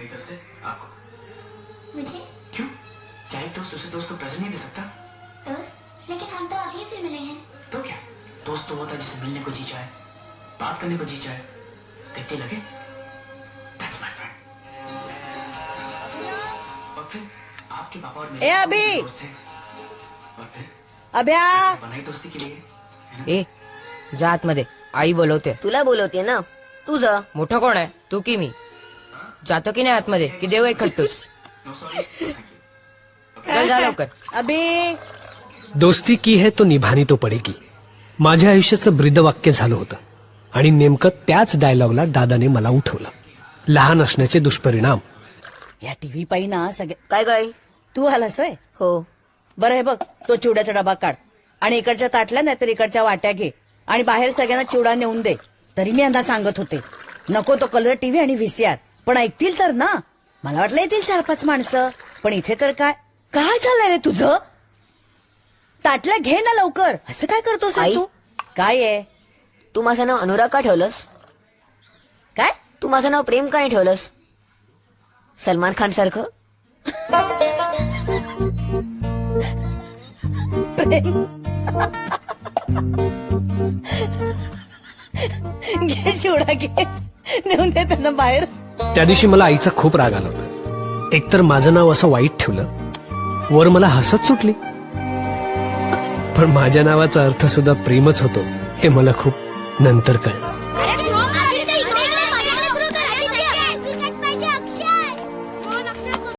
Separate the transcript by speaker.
Speaker 1: मेरी तरफ से आपको।
Speaker 2: मुझे
Speaker 1: क्यों? क्या एक दोस्त दूसरे दोस्त को प्रेजेंट नहीं दे सकता?
Speaker 2: दोस्त? लेकिन हम तो अभी फिर मिले हैं।
Speaker 1: तो क्या, दोस्त तो होता है जिसे मिलने को जी चाहे, बात करने को जी चाहे, देखते लगे That's my friend। और फिर आपके पापा और मेरे
Speaker 3: ए अभी
Speaker 1: दोस्त हैं, और फिर
Speaker 3: अभ्या
Speaker 1: बनाई दोस्ती के लिए, है ना?
Speaker 4: ए जा आतमध्ये, आई बोलवते.
Speaker 5: तुला बोलवते ना, तू जा.
Speaker 4: मोठा कोण आहे, तू की मी? जातो की नाही आतमध्ये, की देऊ एक खट्टूस?
Speaker 1: No, sorry, thank you।
Speaker 4: चल जा लवकर.
Speaker 3: अभि
Speaker 6: दोस्ती की है तो निभानी तो पडेगी, माझ्या आयुष्याचं ब्रीदवाक्य झालं होतं. आणि नेमकं त्याच डायलॉगला दादाने मला उठवलं. लहान असण्याचे दुष्परिणाम.
Speaker 3: या टीव्ही पायी ना सगळे.
Speaker 5: काय काय?
Speaker 3: तू आलास होय?
Speaker 5: हो.
Speaker 3: बरं हे बघ, तो चिवड्याचा डबा काढ आणि इकडच्या ताटल्या नाही तर इकडच्या वाट्या घे आणि बाहेर सगळ्यांना चिवडा नेऊन दे. तरी मी यांना सांगत होते नको तो कलर टीव्ही आणि व्हीसीआर, पण ऐकतील तर ना. मला वाटलं येतील 4-5 माणसं, पण इथे तर काय काय चाललंय रे तुझं? ताटल्या घे ना लवकर. असं काय करतोस रे
Speaker 5: आई?
Speaker 3: तू? काय आहे?
Speaker 5: तू माझं नाव अनुराग का ठेवलंस?
Speaker 3: काय?
Speaker 5: तू माझं नाव प्रेम का नाही ठेवलंस? सलमान खान सारखं.
Speaker 3: घे चिवडा घे, नेऊन दे त्यांना बाहेर.
Speaker 6: त्या दिवशी मला आईचा खूप राग आला होता. एकतर माझं नाव असं वाईट ठेवलं, वर मला हसत सुटली. पण माझ्या नावाचा अर्थ सुद्धा प्रेमच होतो हे मला खूप नंतर कळलं.